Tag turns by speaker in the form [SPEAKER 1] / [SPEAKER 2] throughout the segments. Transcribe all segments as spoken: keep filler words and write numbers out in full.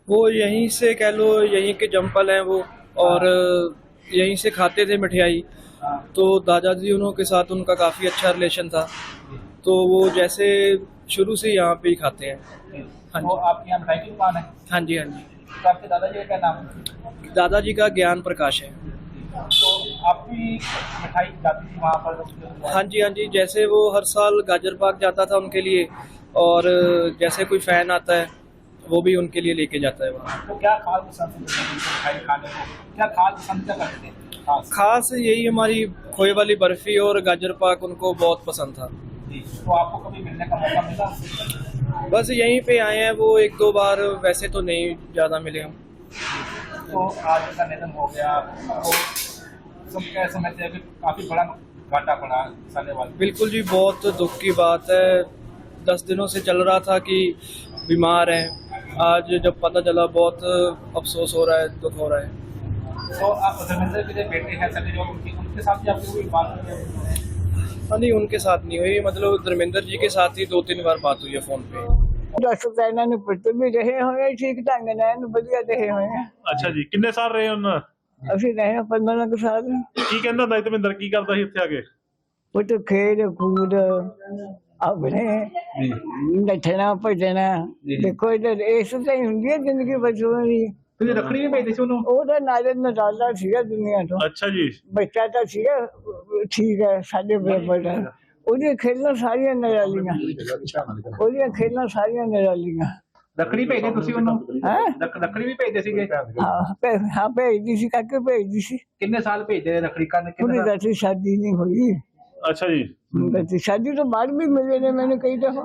[SPEAKER 1] वो यहीं से कह लो, यहीं के जम्पल हैं वो, और यहीं से खाते थे मिठाई। तो दादाजी उन्हों के साथ उनका काफ़ी अच्छा रिलेशन था, तो वो जैसे शुरू से यहाँ पे ही खाते हैं। हाँ
[SPEAKER 2] तो
[SPEAKER 1] जी,
[SPEAKER 2] आपके यहाँ मिठाई की दुकान है?
[SPEAKER 1] हाँ जी, हाँ जी।
[SPEAKER 2] तो आपके दादाजी का क्या नाम है?
[SPEAKER 1] दादाजी का ज्ञान प्रकाश है।
[SPEAKER 2] तो आप भी मिठाई जाती थी वहाँ पर?
[SPEAKER 1] हाँ जी, हाँ जी, जैसे वो हर साल गाजर पाक जाता था उनके लिए, और जैसे कोई फ़ैन आता है वो भी उनके लिए लेके जाता है वहाँ।
[SPEAKER 2] तो क्या खास पसंद है मिठाई खाने को? क्या खास पसंद क्या करते हैं खास?
[SPEAKER 1] खास यही हमारी खोए वाली बर्फ़ी और गाजर पाक उनको बहुत पसंद था।
[SPEAKER 2] जी, तो आपको कभी मिलने का मौका मिला?
[SPEAKER 1] बस यहीं पे आए हैं वो एक दो बार, वैसे तो नहीं ज़्यादा मिले हम।
[SPEAKER 2] तो आज का निधन हो गया, तो सब क्या समझते हैं कि काफ़ी बड़ा घाटा पड़ा साले वाले?
[SPEAKER 1] बिल्कुल जी, बहुत दुख की बात है। दस दिनों से चल रहा था कि बीमार हैं, आज जब पता चला बहुत अफसोस हो रहा है, दुख हो रहा है।
[SPEAKER 2] तो आप धर्मेंद्र के जो बेटे हैं सनी देओल, उनकी उनके साथ भी आपकी कोई बात हुई है?
[SPEAKER 1] हाँ नहीं, उनके साथ नहीं हुई, मतलब धर्मेंद्र जी के साथ ही दो तीन बार बात हुई है फ़ोन पे।
[SPEAKER 3] दस ਤਾਂ ਇਹਨਾਂ ਨੂੰ ਪੁੱਤ ਵੀ ਰਹੇ ਹੋਏ ਠੀਕ ਢੰਗ ਨਾਲ ਇਹਨੂੰ ਵਧੀਆ ਰਹੇ ਹੋਏ ਆ।
[SPEAKER 4] ਅੱਛਾ ਜੀ, ਕਿੰਨੇ ਸਾਲ ਰਹੇ ਉਹਨਾਂ?
[SPEAKER 3] ਅਸੀਂ ਰਹੇ ਹਾਂ ਪੰਦਰਾਂ ਕੁ ਸਾਲ।
[SPEAKER 4] ਕੀ ਕਹਿੰਦਾ ਹੁੰਦਾ ਸੀ ਧਰਮਿੰਦਰ, ਕੀ ਕਰਦਾ ਸੀ ਇੱਥੇ ਆ ਕੇ?
[SPEAKER 3] ਪੁੱਤ ਖੇਡ ਕੂਦ ਆਪਣੇ ਨੱਠਣਾ ਭੱਜਣਾ, ਦੇਖੋ ਇਹ ਇਸ ਤਾਂ ਹੀ ਹੁੰਦੀ ਹੈ ਜ਼ਿੰਦਗੀ ਬਚਪਨ ਦੀ।
[SPEAKER 2] ਤੁਸੀਂ ਰੱਖੜੀ ਵੀ ਭੇਜਦੇ ਸੀ ਉਹਨੂੰ?
[SPEAKER 3] ਉਹਦਾ ਨਾਲੇ ਨਜ਼ਾਰਾ ਸੀਗਾ ਦੁਨੀਆ ਤੋਂ,
[SPEAKER 4] ਅੱਛਾ ਜੀ,
[SPEAKER 3] ਬੱਚਾ ਤਾਂ ਸੀਗਾ ਠੀਕ ਹੈ ਸਾਡੇ ਬਰਾਬਰ ਦਾ। ਉਹਦੀਆਂ ਖੇਡਾਂ ਸਾਰੀਆਂ ਨਿਰਾਲੀਆਂ, ਉਹਦੀਆਂ ਖੇਡਾਂ ਸਾਰੀਆਂ ਨਿਰਾਲੀਆਂ।
[SPEAKER 2] ਰੱਖੜੀ ਭੇਜਦੇ ਤੁਸੀਂ ਉਹਨੂੰ?
[SPEAKER 3] ਹੈਂ?
[SPEAKER 2] ਰੱਖ- ਰੱਖੜੀ ਵੀ ਭੇਜਦੇ ਸੀਗੇ?
[SPEAKER 3] ਹਾਂ ਭੇ ਹਾਂ ਭੇਜਦੀ ਸੀ, ਕਾਕੇ ਭੇਜਦੀ ਸੀ।
[SPEAKER 2] ਕਿੰਨੇ ਸਾਲ ਭੇਜਦੇ ਰਹੇ ਰੱਖੜੀ ਕਰਨ?
[SPEAKER 3] ਉਹਦੀ
[SPEAKER 2] ਕਿੰਨੇ ਸਾਲ?
[SPEAKER 3] ਵੈਸੇ ਸ਼ਾਦੀ ਨਹੀਂ ਹੋਈ,
[SPEAKER 4] ਅੱਛਾ ਜੀ,
[SPEAKER 3] ਵੈਸੇ ਸ਼ਾਦੀ ਤੋਂ ਬਾਅਦ ਵੀ ਮਿਲੇ ਨੇ ਮੈਨੂੰ ਕਈ ਦਫਾ।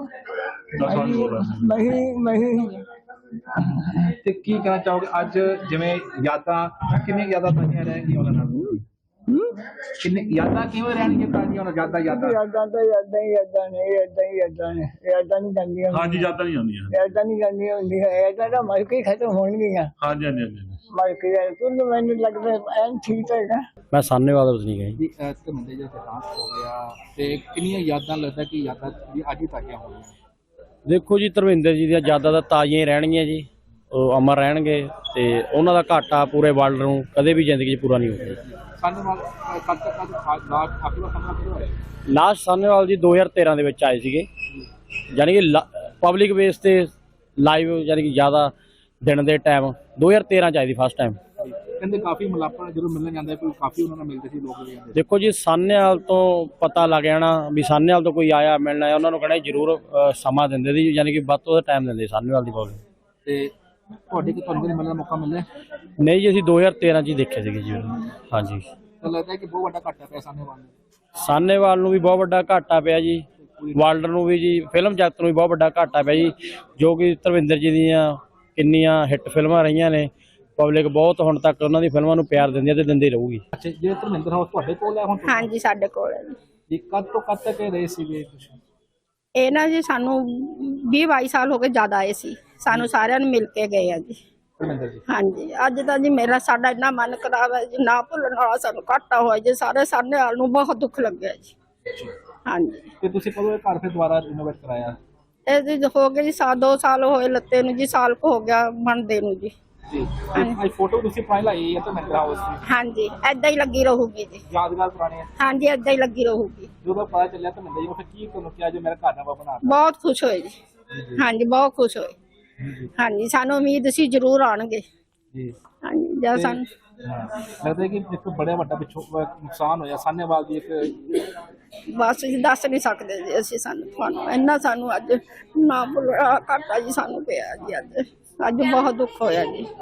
[SPEAKER 3] ਨਹੀਂ ਨਹੀਂ
[SPEAKER 2] ਤੇ ਕੀ ਕਹਿਣਾ ਚਾਹੋਗੇ ਅੱਜ, ਜਿਵੇਂ ਯਾਦਾਂ ਕਿੰਨੀਆਂ ਯਾਦਾਂ ਤਾਜ਼ੀਆਂ ਰਹਿਣਗੀਆਂ ਉਹਨਾਂ ਨਾਲ? ਕਿੰਨੇ ਯਾਦਾਂ ਕਿਵੇਂ ਰਹਿਣਗੀਆਂ ਤਾਜ਼ੀਆਂ ਉਹਨਾਂ ਯਾਦਾਂ ਯਾਦਾਂ?
[SPEAKER 3] ਯਾਦਾਂ ਤਾਂ ਯਾਦਾਂ ਹੀ ਯਾਦਾਂ ਨੇ, ਯਾਦਾਂ ਹੀ ਯਾਦਾਂ ਨੇ, ਯਾਦਾਂ ਨਹੀਂ ਜਾਂਦੀਆਂ।
[SPEAKER 4] ਹਾਂਜੀ, ਯਾਦਾਂ ਨਹੀਂ ਆਉਂਦੀਆਂ।
[SPEAKER 3] ਯਾਦਾਂ ਨਹੀਂ ਜਾਂਦੀਆਂ ਹੁੰਦੀਆਂ, ਯਾਦਾਂ ਤਾਂ ਮਰ ਕੇ ਹੀ ਖਤਮ ਹੋਣਗੀਆਂ।
[SPEAKER 4] ਹਾਂਜੀ ਹਾਂਜੀ ਹਾਂਜੀ।
[SPEAKER 3] ਮਰ ਕੇ ਯਾਰ ਤੂੰ ਮੈਨੂੰ ਲੱਗਦਾ ਐਨ ਠੀਕ ਹੈਗਾ।
[SPEAKER 5] ਮੈਂ ਸਾਹਨੇਵਾਲ ਤੋਂ ਨਹੀਂ ਗਈ
[SPEAKER 2] ਜੀ ਧਰਮਿੰਦਰ ਜੀ ਦਾ ਦੇਹਾਂਤ ਹੋ ਗਿਆ ਤੇ ਕਿੰਨੀਆਂ ਯਾਦਾਂ ਲੱਗਦਾ ਕਿ ਯਾਦਾਂ ਵੀ ਅੱਜ ਹੀ ਤਾਜ਼ੀਆਂ ਹੋਣੀਆਂ?
[SPEAKER 5] ਦੇਖੋ ਜੀ, ਧਰਮਿੰਦਰ ਜੀ ਦੀਆਂ ਯਾਦਾਂ ਤਾਂ ਤਾਜ਼ੀਆਂ ਹੀ ਰਹਿਣਗੀਆਂ ਜੀ, ਉਹ ਅਮਰ ਰਹਿਣਗੇ ਤੇ ਉਹਨਾਂ ਦਾ ਘਾਟਾ ਪੂਰੇ ਵਰਲਡ ਨੂੰ ਕਦੇ ਵੀ ਜ਼ਿੰਦਗੀ 'ਚ ਪੂਰਾ ਨਹੀਂ ਹੋਊਗਾ।
[SPEAKER 2] ਸਾਡੇ ਨਾਲ ਕਦ ਤੱਕ ਕਦ ਲਾਸਟ ਆਖਰੀ ਵਾਰ ਸਾਹਮਣਾ ਕਦੋਂ ਹੋਇਆ?
[SPEAKER 5] ਲਾਸਟ ਸਾਹਨੇਵਾਲ ਜੀ ਦੋ ਹਜ਼ਾਰ ਤੇਰਾਂ ਦੇ ਵਿੱਚ ਆਏ ਸੀਗੇ, ਯਾਨੀ ਕਿ ਪਬਲਿਕ ਬੇਸ ਤੇ ਲਾਈਵ, ਯਾਨੀ ਕਿ ਜ਼ਿਆਦਾ ਦਿਨ ਦੇ ਟਾਈਮ ਦੋ ਹਜ਼ਾਰ ਤੇਰਾਂ 'ਚ ਆਏ ਸੀ ਫਸਟ ਟਾਈਮ।
[SPEAKER 2] ਕਹਿੰਦੇ ਕਾਫੀ ਮਲਾਪਾ ਜਦੋਂ ਮਿਲਣ ਜਾਂਦੇ ਕੋਈ ਕਾਫੀ ਉਹਨਾਂ ਨਾਲ ਮਿਲਦੇ ਸੀ ਲੋਕ ਵੀ ਜਾਂਦੇ।
[SPEAKER 5] ਦੇਖੋ ਜੀ, ਸਾਹਨੇਵਾਲ ਤੋਂ ਪਤਾ ਲੱਗ ਜਾਣਾ ਵੀ ਸਾਹਨੇਵਾਲ ਤੋਂ ਕੋਈ ਆਇਆ ਮਿਲਣਾ ਹੈ, ਉਹਨਾਂ ਨੂੰ ਕਹਿਣਾ ਜ਼ਰੂਰ ਅ, ਸਮਾਂ ਦਿੰਦੇ ਸੀ, ਯਾਨੀ ਕਿ ਵੱਧ ਤੋਂ ਵੱਧ ਟਾਈਮ ਦਿੰਦੇ ਸਾਹਨੇਵਾਲ ਦੀ ਪਬਲਿਕ।
[SPEAKER 2] ਤੇ ਤੁਹਾਡੇ ਕਿ ਤੁਹਾਨੂੰ ਮਿਲਣ ਦਾ ਮੌਕਾ ਮਿਲਿਆ?
[SPEAKER 5] ਨਹੀਂ ਜੀ, ਅਸੀਂ ਦੋ ਹਜ਼ਾਰ ਤੇਰਾਂ 'ਚ ਹੀ ਦੇਖੇ ਸੀਗੇ ਜੀ ਉਹਨੂੰ। ਹਾਂਜੀ,
[SPEAKER 2] ਤਾਂ ਲੱਗਦਾ ਕਿ ਬਹੁਤ ਵੱਡਾ ਘਾਟਾ ਪਿਆ ਸਾਹਮਣੇ ਵਾਲੇ ਨੂੰ।
[SPEAKER 5] ਸਾਹਨੇਵਾਲ ਨੂੰ ਵੀ ਬਹੁਤ ਵੱਡਾ ਘਾਟਾ ਪਿਆ ਜੀ, ਵਰਲਡ ਨੂੰ ਵੀ ਜੀ, ਫਿਲਮ ਜਗਤ ਨੂੰ ਵੀ ਬਹੁਤ ਵੱਡਾ ਘਾਟਾ ਪਿਆ ਜੀ, ਜੋ ਕਿ ਧਰਮਿੰਦਰ ਜੀ ਦੀਆਂ ਕਿੰਨੀਆਂ ਹਿੱਟ ਫਿਲਮਾਂ ਰਹੀਆਂ ਨੇ, ਪਬਲਿਕ ਬਹੁਤ ਹੁਣ ਤੱਕ ਉਹਨਾਂ ਦੀ ਫਿਲਮਾਂ ਨੂੰ ਪਿਆਰ ਦਿੰਦੀ ਹੈ ਤੇ ਦਿੰਦੀ ਰਹੂਗੀ।
[SPEAKER 2] ਅੱਛਾ, ਜੇ ਧਰਮਿੰਦਰ ਹਾਊਸ ਤੁਹਾਡੇ ਕੋਲ ਹੈ ਹੁਣ?
[SPEAKER 6] ਹਾਂਜੀ, ਸਾਡੇ ਕੋਲ ਹੈ ਜੀ।
[SPEAKER 2] ਜੀ ਕਦ ਤੋਂ ਕਦ ਤੱਕ ਇਹ ਰਹੇ ਸੀਗੇ ਤੁਸੀਂ?
[SPEAKER 6] ਇਹ ਨਾ ਜੀ ਸਾਨੂੰ ਵੀਹ ਬਾਈ ਸਾਲ ਹੋ ਗਏ ਜ਼ਿਆਦਾ ਆਏ ਸੀ, ਸਾਨੂੰ ਸਾਰਿਆਂ ਨੂੰ ਮਿਲ ਕੇ ਗਏ ਆ ਜੀ।
[SPEAKER 2] ਧਰਮਿੰਦਰ ਜੀ
[SPEAKER 6] ਹਾਂਜੀ, ਅੱਜ ਤਾਂ ਜੀ ਮੇਰਾ ਸਾਡਾ ਇੰਨਾ ਮਨ ਖਰਾਬ ਹੈ ਜੀ, ਨਾ ਭੁੱਲਣ ਵਾਲਾ ਸਾਨੂੰ ਘਾਟਾ ਹੋਇਆ ਜੀ, ਸਾਰੇ ਸਾਹਨੇਵਾਲ ਨੂੰ ਬਹੁਤ ਦੁੱਖ ਲੱਗਿਆ ਜੀ। ਹਾਂਜੀ,
[SPEAKER 2] ਤੇ ਤੁਸੀਂ ਕਦੋਂ ਇਹ ਘਰ ਫਿਰ ਦੁਬਾਰਾ ਰਿਨੋਵੇਟ ਕਰਾਇਆ?
[SPEAKER 6] ਇਹ ਜੀ ਹੋ ਗਏ ਜੀ ਸਾ ਦੋ ਸਾਲ ਹੋਏ ਲੱਤੇ ਨੂੰ ਜੀ, ਸਾਲ ਕੁ ਹੋ ਗਿਆ ਬਣਦੇ ਨੂੰ ਜੀ।
[SPEAKER 2] ਜੀ ਅੱਜ ਫੋਟੋ ਤੁਸੀਂ ਪੁਰਾਣੀ ਲਾਈ ਹੈ ਧਰਮਿੰਦਰ ਹਾਊਸ ਦੀ,
[SPEAKER 6] ਹਾਂਜੀ, ਏਦਾਂ ਹੀ ਲੱਗੀ ਰਹੂਗੀ ਜੀ।
[SPEAKER 2] ਯਾਦਗਾਰ ਪੁਰਾਣੀ ਹੈ।
[SPEAKER 6] ਹਾਂਜੀ, ਏਦਾਂ ਹੀ ਲੱਗੀ ਰਹੂਗੀ।
[SPEAKER 2] ਜਦੋਂ ਪਤਾ ਚੱਲਿਆ ਧਰਮਿੰਦਰ ਜੀ ਨੂੰ ਫਿਰ ਕੀ ਤੁਹਾਨੂੰ ਕਿਹਾ ਜੋ ਮੇਰਾ ਘਰ ਨਵਾਂ ਬਣਾ?
[SPEAKER 6] ਬਹੁਤ ਖੁਸ਼ ਹੋਏ ਜੀ। ਹਾਂਜੀ, ਬਹੁਤ ਖੁਸ਼ ਹੋਏ। ਹਾਂਜੀ, ਸਾਨੂੰ ਉਮੀਦ ਸੀ ਜ਼ਰੂਰ ਆਉਣਗੇ।
[SPEAKER 2] ਜੀ
[SPEAKER 6] ਹਾਂਜੀ, ਜਾਂ ਸਾਨੂੰ
[SPEAKER 2] ਲੱਗਦਾ ਕਿ ਇੱਕ ਬੜਾ ਵੱਡਾ ਪਿੱਛੋਂ ਨੁਕਸਾਨ ਹੋਇਆ ਸਾਹਨੇਵਾਲ ਦੀ ਇੱਕ।
[SPEAKER 6] ਬਸ ਜੀ ਦੱਸ ਨਹੀਂ ਸਕਦੇ ਜੀ ਅਸੀਂ, ਸਾਨੂੰ ਤੁਹਾਨੂੰ ਇੰਨਾ ਸਾਨੂੰ ਅੱਜ ਨਾ ਭੁੱਲਣਾ ਘਾਟਾ ਜੀ ਸਾਨੂੰ ਪਿਆ ਜੀ। ਅੱਜ ਅੱਜ ਬਹੁਤ ਦੁੱਖ ਹੋਇਆ ਜੀ।